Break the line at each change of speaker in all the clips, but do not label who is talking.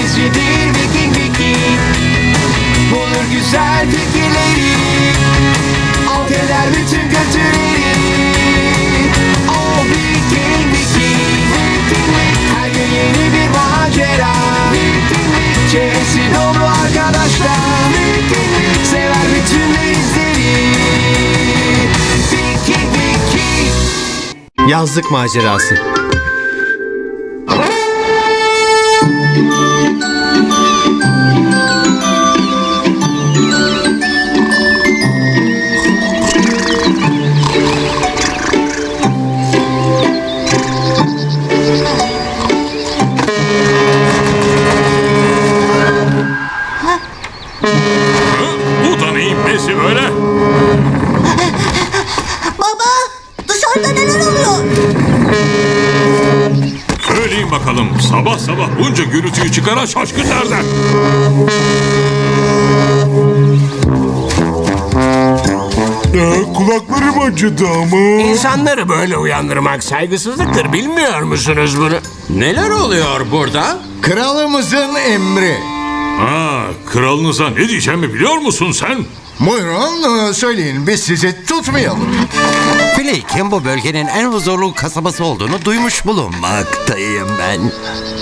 İngilizcedir Viking Viking. Bulur güzel fikirleri, alt eder bütün kötüleri. O Viking Viking. Her gün yeni bir macera. Çevresi dolu arkadaşlar. Sever bütün denizleri. Viking Viking.
Yazlık macerası.
Bu da neyin nesi böyle?
Baba, dışarıda neler oluyor?
Söyleyin bakalım, sabah sabah bunca gürültüyü çıkaran şaşkın nerede?
Kulaklarım acıdı ama.
İnsanları böyle uyandırmak saygısızlıktır, bilmiyor musunuz bunu?
Neler oluyor burada?
Kralımızın emri.
Ha, kralınıza ne diyeceğimi biliyor musun sen?
Buyurun söyleyin, biz sizi tutmayalım.
Flake'in bu bölgenin en huzurlu kasabası olduğunu duymuş bulunmaktayım ben.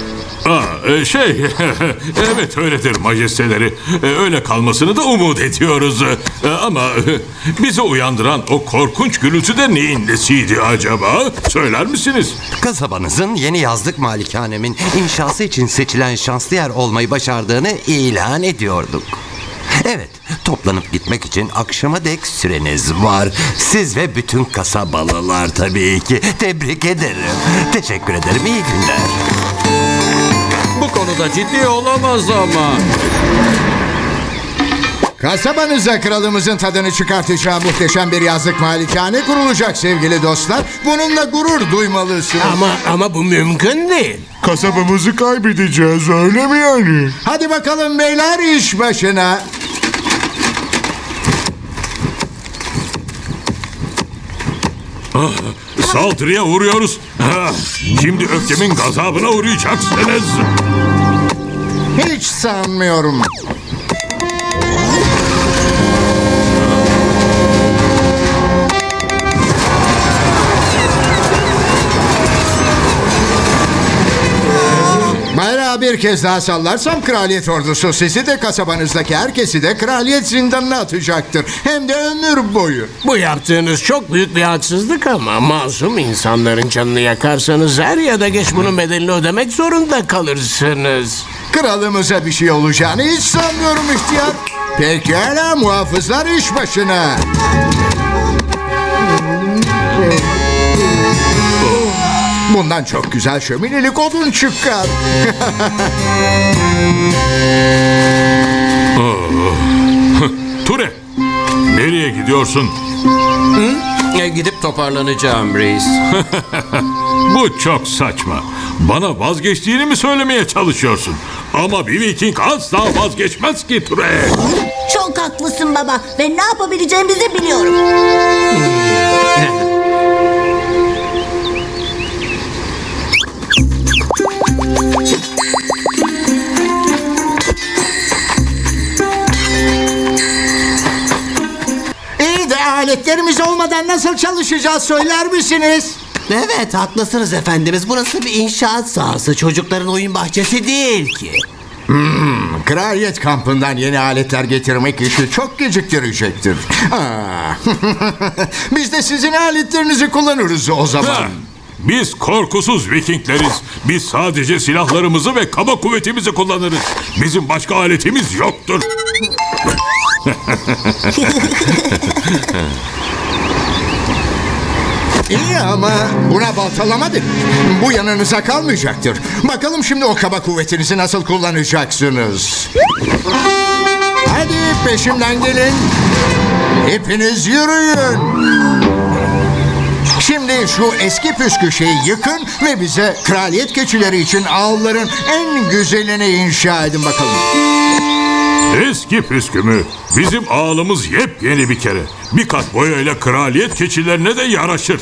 Evet öyledir majesteleri. Öyle kalmasını da umut ediyoruz. Ama bizi uyandıran o korkunç gürültü de neyin nesiydi acaba? Söyler misiniz?
Kasabanızın yeni yazlık malikanemin inşası için seçilen şanslı yer olmayı başardığını ilan ediyorduk. Evet, toplanıp gitmek için akşama dek süreniz var. Siz ve bütün kasabalılar tabii ki. Tebrik ederim. Teşekkür ederim, iyi günler.
Bu konuda ciddi olamaz ama.
Kasabanıza kralımızın tadını çıkartacağı muhteşem bir yazlık malikane kurulacak sevgili dostlar. Bununla gurur duymalısınız.
Ama bu mümkün değil.
Kasabamızı kaybedeceğiz, öyle mi yani?
Hadi bakalım beyler, iş başına.
Saldırıya uğruyoruz. Şimdi öfkemin gazabına uğrayacaksınız.
Hiç sanmıyorum. Bayrağı bir kez daha sallarsam kraliyet ordusu sizi de kasabanızdaki herkesi de kraliyet zindanına atacaktır. Hem de ömür boyu.
Bu yaptığınız çok büyük bir haksızlık ama masum insanların canını yakarsanız er ya da geç bunun bedelini ödemek zorunda kalırsınız.
Kralımıza bir şey olacağını hiç sanmıyorum ihtiyar. Pekala muhafızlar, iş başına. Bundan çok güzel şöminelik odun çıkar.
Ture, nereye gidiyorsun?
Gidip toparlanacağım reis.
Bu çok saçma. Bana vazgeçtiğini mi söylemeye çalışıyorsun? Ama bir Viking asla vazgeçmez ki Ture.
Çok haklısın baba ve ne yapabileceğimizi biliyorum.
İyi de aletlerimiz olmadan nasıl çalışacağız söyler misiniz?
Evet, haklısınız efendimiz. Burası bir inşaat sahası. Çocukların oyun bahçesi değil ki.
Kraliyet kampından yeni aletler getirmek işi çok geciktirecektir. Biz de sizin aletlerinizi kullanırız o zaman.
Ha, biz korkusuz Vikingleriz. Biz sadece silahlarımızı ve kaba kuvvetimizi kullanırız. Bizim başka aletimiz yoktur.
İyi ama buna baltalama denir. Bu yanınıza kalmayacaktır. Bakalım şimdi o kaba kuvvetinizi nasıl kullanacaksınız. Hadi peşimden gelin. Hepiniz yürüyün. Şimdi şu eski püskü şeyi yıkın ve bize kraliyet keçileri için ağların en güzelini inşa edin bakalım.
Eski püskümü. Bizim ağalımız yepyeni bir kere. Bir kat boyayla kraliyet keçilerine de yaraşır.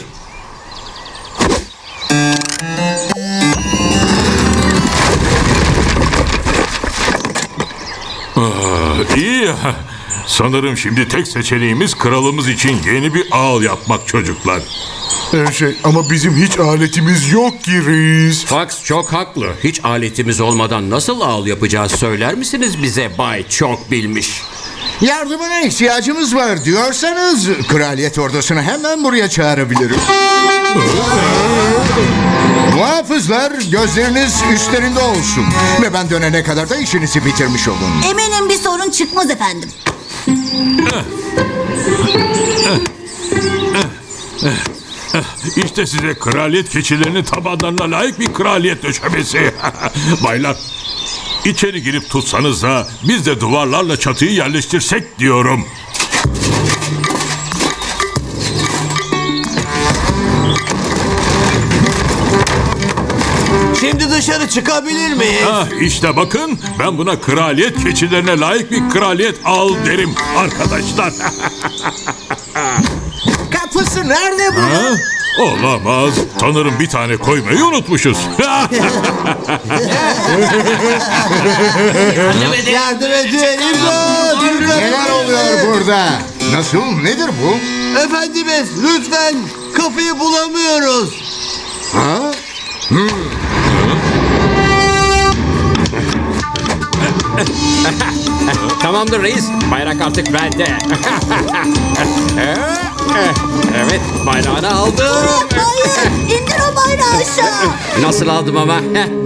İyi ya. Sanırım şimdi tek seçeneğimiz kralımız için yeni bir ağ yapmak çocuklar.
Ama bizim hiç aletimiz yok ki reis.
Fox çok haklı. Hiç aletimiz olmadan nasıl ağıl yapacağız söyler misiniz bize Bay Çok Bilmiş?
Yardımına ihtiyacımız var diyorsanız kraliyet ordusunu hemen buraya çağırabilirim. Muhafızlar gözleriniz üstlerinde olsun. Ve ben dönene kadar da işinizi bitirmiş olun.
Eminim bir sorun çıkmaz efendim.
İşte size kraliyet keçilerinin tabanlarına layık bir kraliyet döşemesi. Baylar, içeri girip tutsanız da biz de duvarlarla çatıyı yerleştirsek diyorum.
Şimdi dışarı çıkabilir miyiz?
İşte bakın, ben buna kraliyet keçilerine layık bir kraliyet al derim arkadaşlar.
Kapısı nerede bu?
Ha? Olamaz. Sanırım bir tane koymayı unutmuşuz.
Yardım edin. İmdat!
Neler oluyor burada? Nasıl? Nedir bu?
Efendimiz lütfen kapıyı bulamıyoruz.
Ha?
Tamamdır reis. Bayrak artık bende. Evet, bayrağını aldım.
Hayır, indir o bayrağı aşağı.
Nasıl aldım ama?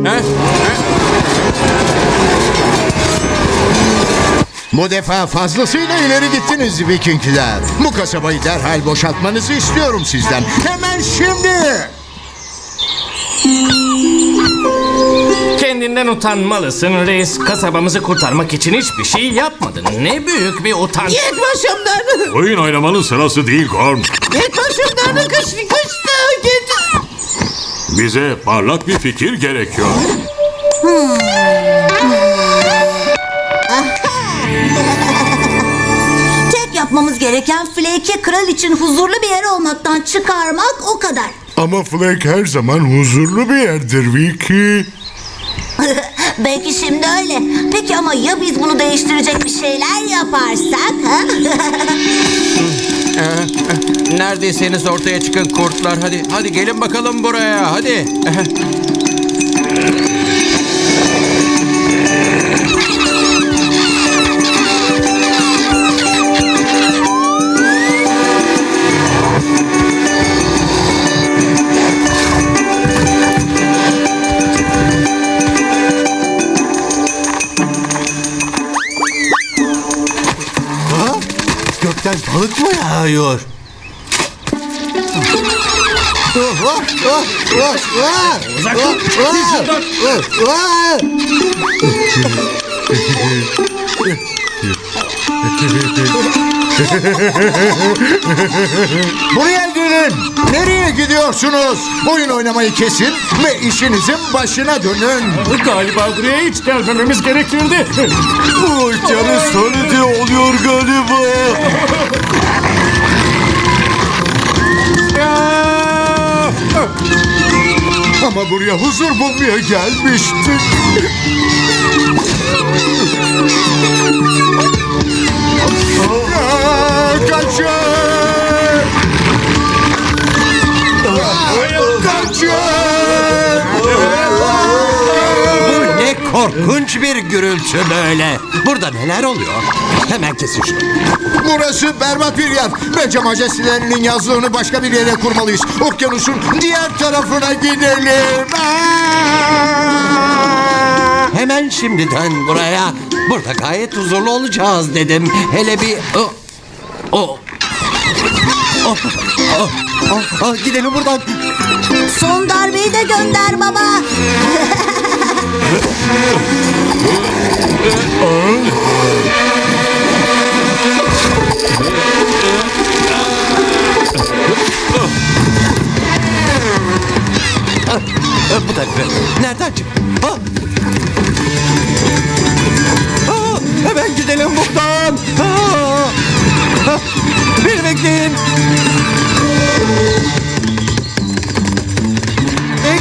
Bu defa fazlasıyla ileri gittiniz Vikingler. Bu kasabayı derhal boşaltmanızı istiyorum sizden. Hemen şimdi.
Kendinden utanmalısın reis. Kasabamızı kurtarmak için hiçbir şey yapmadın. Ne büyük bir utanç.
Git başımdan.
Oyun oynamanın sırası değil Gorm.
Git başımdan. Kaçtı. Git.
Bize parlak bir fikir gerekiyor.
Tek yapmamız gereken Flake'i kral için huzurlu bir yer olmaktan çıkarmak o kadar.
Ama Flake her zaman huzurlu bir yerdir Vicky.
Belki şimdi öyle. Peki ama ya biz bunu değiştirecek bir şeyler yaparsak? Ha?
Neredeyseniz ortaya çıkın kurtlar. Hadi gelin bakalım buraya. Hadi.
Gökten balık mı yağıyor?
Buraya gelin. Nereye gidiyorsunuz? Oyun oynamayı kesin ve işinizin başına dönün.
Galiba buraya hiç gelmememiz gerekirdi.
Canı söyledi oluyor galiba. Ama buraya huzur bulmaya gelmiştik. Kaçın! Kaçın!
Ne korkunç bir gürültü böyle. Burada neler oluyor? Hemen kesin şunu.
Burası berbat bir yer. Bence majestelerinin yazlığını başka bir yere kurmalıyız. Okyanusun diğer tarafına gidelim.
Hemen şimdiden buraya. Burada gayet huzurlu olacağız dedim. Hele bir... gidelim buradan.
Son darbeyi de gönder baba.
Bu da nereden çıktı? Hemen gidelim buradan. Beni bekleyin.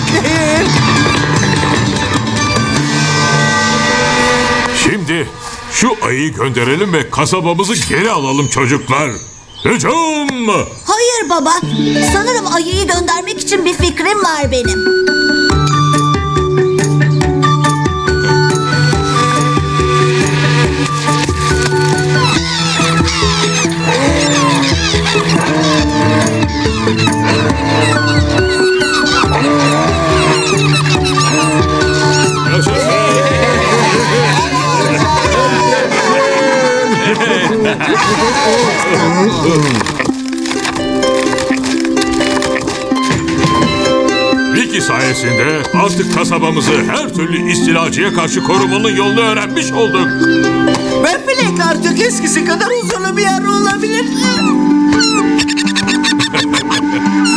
Şimdi Şu ayıyı gönderelim ve kasabamızı geri alalım çocuklar. Hücum!
Hayır baba. Sanırım ayıyı göndermek için bir fikrim var benim.
Vicky sayesinde artık kasabamızı her türlü istilacıya karşı korumanın yolunu öğrenmiş olduk.
Ve Flek artık eskisi kadar huzurlu bir yer olabilir.